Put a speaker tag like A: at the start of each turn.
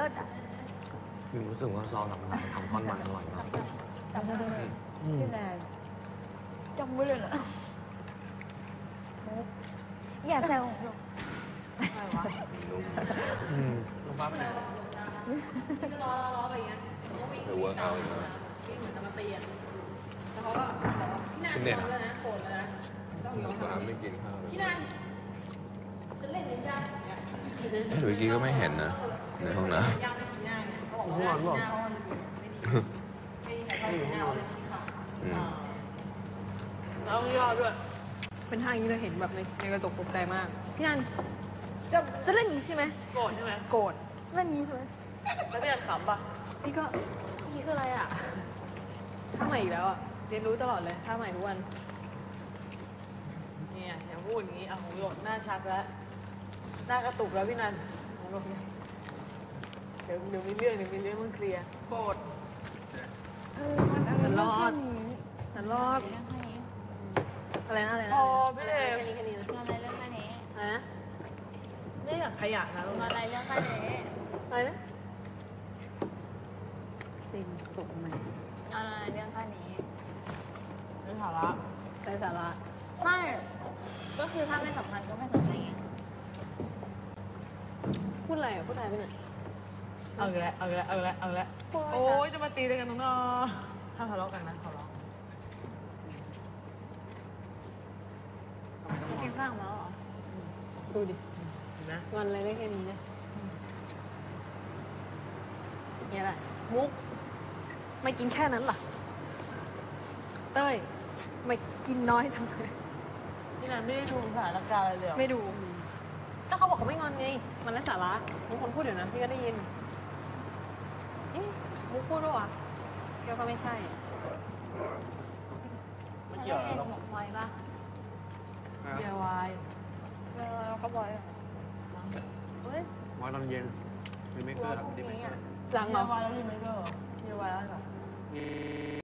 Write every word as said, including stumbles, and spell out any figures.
A: ศอ่ะ
B: รู้สึกว่าซอสมันทำก้อนมันอร่อยมาก
A: จำได้เลยพี่แนนจำไว้เลยนะอย่าแซวอะไรวะ
B: ลงฟ้าไปไหน
C: ก็ล้อล้อไปอย่างเงี้ย
B: หรือเวิร์กเอาอีกแล้ว
C: เหมือนจะมาตีอ่ะแล้วเขาก็พี่นันโกรธแล้วนะโกรธแล้วนะต้องยอมทำไม่กินข้าวพี่นันจะเล่นหรือยัง
B: เมื่อกี้ก็ไม่เห็นนะในห้องน้ำ
C: ย่างไปชี้หน้าเนี่ยเขาบอกว่าชี้หน้าเขาไม่ดีไม่ดีใครเข้าชี้หน้าเขาเลยชี้ขาแล้วย่อด้วยเป็นท่าอย่างนี้เราเห็นแบบในในกระจกตกใจมากพี่นันจะจะเล่นอย่างนี้ใช่ไหมโกรธใช่ไหมโกรธเล่นนี้ใช่ไหมแล้วพี่นันขำป่ะนี่ก็นี่คืออะไรอ่ะท่าใหม่อีกแล้วอ่ะเรียนรู้ตลอดเลยท่าใหม่ทุกวันเนี่ยอย่าพูดอย่างนี้เอาหูหลดหน้าชักแล้วหน้ากระตุกแล้วพี่นันเดี๋ยวเดี๋ยวมีเรื่องเดี๋ยวมีเรื่องมันเคลียร์โกรธฉันรอดฉันรอดอะไรนะอะไรนะ
A: พอพี่เอ
C: แค่นี้แค่นี้นะ
A: อะไรเรื่องแค่นี้
C: อะไรนะไม่อยากขยะนะ
A: อะไรเรื่องแค่นี้
C: อะไรนะซินตกไหม
A: อะไรเรื่องแค่นี้
C: ไร้สาระไร้สาระ
A: ไม่ก็คือถ้าไม่สำคัญก็ไม่สนใจไง
C: พูดอะไรอ่ะพูดอะไรไปเนี่ย
D: เอาอีกแล้วเอาอีกแล้วเอาอีกแล้วเอาอีกแล้วโอ้ยจะมาตีกันตรงนอถ้าทะเลาะกันนะขอร้อง
A: กินข้าวมาหรอ
C: ดูดิ
D: นะ
C: วันอะไรได้แค่นี้นะเนี่ยแหละมุกไม่กินแค่นั้นหรอเต้ยไม่กินน้อยทำไม
D: พี่นันไม่ได้ดูสถานการณ์อะไรเลย
C: ไม่ดูก็เขาบอกเขาไม่งอนไงมันไร้สาระบางคนพูดเดี๋ยวนะพี่ก็ได้ยินมุกพูดด้วยวะเกี่ยวก็ไม่ใช่
D: ไม่เกี่ยวหรอก
A: ไวป่ะ
D: เกี่ยววาย
A: เออเขาบอกเฮ้ย
B: ไว้ตอนเย็นรีเมคเกอร์ครับรีเมคเกอร์
C: หลังเหรอ
D: เกี่ยววายแล้วรีเมคเกอร์เกี่ยววายแล้วเหรอ